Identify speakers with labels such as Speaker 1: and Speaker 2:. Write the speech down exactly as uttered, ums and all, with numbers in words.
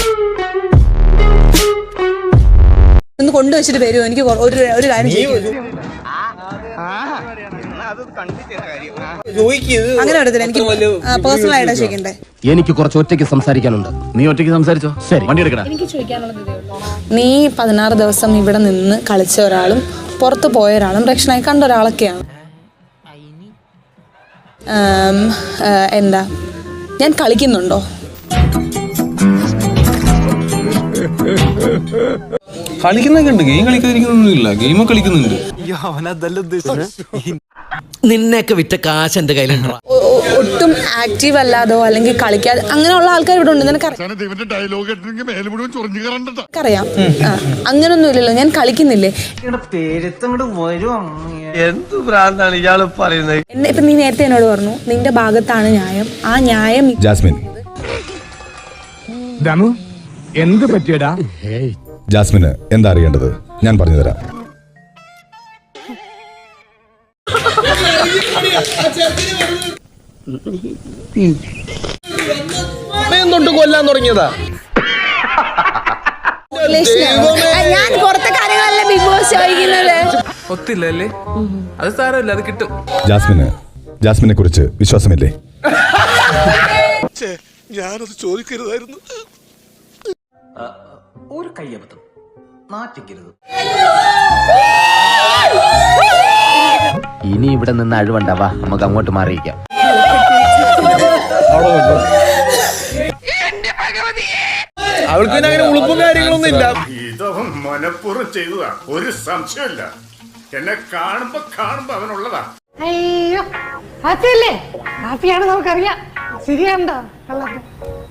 Speaker 1: ഒന്ന് കൊണ്ടുവച്ചിട്ട് വരുമോ? എനിക്ക് ഒരു ഒരു കാര്യം അങ്ങനെ വരത്തില്ല. എനിക്ക് പേഴ്സണൽ ആയിട്ടാ ചോദിക്കണ്ടേ.
Speaker 2: എനിക്ക് കുറച്ച് ഒറ്റയ്ക്ക് സംസാരിക്കാനുണ്ട്. നീ ഒറ്റയ്ക്ക് സംസാരിച്ചോ. ശരി, വണ്ടി എടുക്കടാ.
Speaker 1: എനിക്ക് ചോദിക്കാനുള്ളത്, നീ പതിനാറ് ദിവസം ഇവിടെ നിന്ന് കളിച്ച ഒരാളും പുറത്ത് പോയ ഒരാളും രക്ഷനായി കണ്ട ഒരാളൊക്കെയാണ്. എന്താ ഞാൻ കളിക്കുന്നുണ്ടോ?
Speaker 3: കളിക്കുന്നൊക്കെ ഉണ്ട്. ഗെയിം കളിക്കാതിരിക്കുന്നൊന്നുമില്ല. ഗെയിം കളിക്കുന്നുണ്ട്.
Speaker 4: നിന്നെയൊക്കെ വിറ്റ കാശ് എന്റെ കയ്യിലുണ്ടോ?
Speaker 1: ഒട്ടും ആക്റ്റീവ് അല്ലാതോ അല്ലെങ്കിൽ കളിക്കാതെ അങ്ങനെയുള്ള ആൾക്കാർ ഇവിടെ ഉണ്ട്. നിനക്കറിയാം. അങ്ങനൊന്നും ഇല്ലല്ലോ. ഞാൻ കളിക്കുന്നില്ലേ?
Speaker 2: എന്ത് ഭ്രാന്താണ് ഇയാള് പറയുന്നത്?
Speaker 1: എന്നെ ഇപ്പൊ നീ നേരത്തെ എന്നോട് പറഞ്ഞു നിന്റെ ഭാഗത്താണ് ന്യായം. ആ ന്യായം
Speaker 5: ജാസ്മിൻ,
Speaker 6: എന്ത് പറ്റിയടാ?
Speaker 5: ജാസ്മിന് എന്താ അറിയേണ്ടത് ഞാൻ പറഞ്ഞു തരാം.
Speaker 2: തൊട്ട് കൊല്ലാൻ തുടങ്ങിയതാ.
Speaker 1: ഞാൻ പുറത്തെ കാര്യങ്ങളല്ല ബിഗ് ബോസ് ചോദിക്കുന്നത്.
Speaker 3: ഒത്തില്ലല്ലേ? അത് സാരമില്ല, അത് കിട്ടും.
Speaker 5: ജാസ്മിന് ജാസ്മിനെ കുറിച്ച് വിശ്വാസമില്ലേ?
Speaker 7: ഞാനത് ചോദിക്കരുതായിരുന്നു.
Speaker 4: ഒരു കയ്യബദ്ധം നാറ്റിക്കരുത്.
Speaker 2: ഇനി ഇവിടെ നിന്ന് അഴിവണ്ടാവാ, നമുക്ക് അങ്ങോട്ട് മാറിയിക്കാം.
Speaker 3: അവൾക്ക് പിന്നെ അങ്ങനെ ഉളുപ്പും കാര്യങ്ങളൊന്നും ഇല്ല.
Speaker 7: ഇതൊന്നും മനഃപൂർവ്വം ചെയ്തതാ, ഒരു സംശയമില്ല. എന്നെ കാണുമ്പോ കാണുമ്പോ അവനുള്ളതാ.
Speaker 8: അയ്യോ അതല്ലേ ഹാപ്പിയാണ്, നമുക്കറിയാം. ശരിയാണ്ടോ?